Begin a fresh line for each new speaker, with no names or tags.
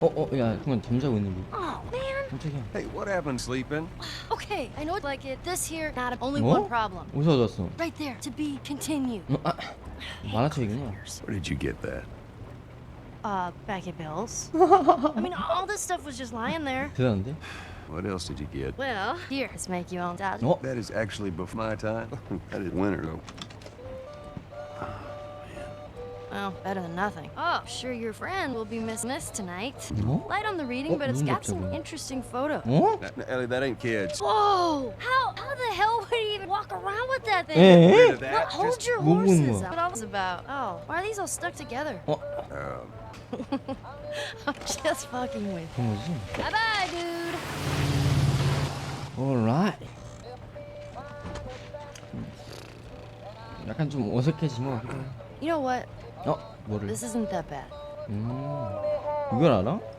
야, 그건 잠자고 있는 게.
Oh, man.
깜짝이야.
Hey, what happened, sleeping?
Okay, I know it's like it. This here, not only
어?
one problem.
어디서 가져왔어?
Right there, to be continued.
만화책이구나.
Where did you get that?
Bag of bills. I mean, all this stuff was just lying there.
대단한데?
What else did you get?
Well, here, let's make you all doubt.
어?
That is actually before my time. That is winter, though.
Well, better than nothing. Oh, sure your friend will be missing this tonight.
어?
Light on the reading,
Oh,
but it's
무슨
got some
갑자기?
interesting photos.
어?
Ellie, that ain't kids.
Whoa! How the hell would he even walk around with that thing?
에?
Rid of
Well,
that.
hold
Just,
your
뭐 보는
horses.
거야?
What all this about? Oh, why are these all stuck together? I'm just fucking with you.
그런 거지?
Bye bye, dude.
alright. 약간 좀 어색해진 것 같기도 해.
You know what?
뭐를?
This isn't that bad.
이걸 알아?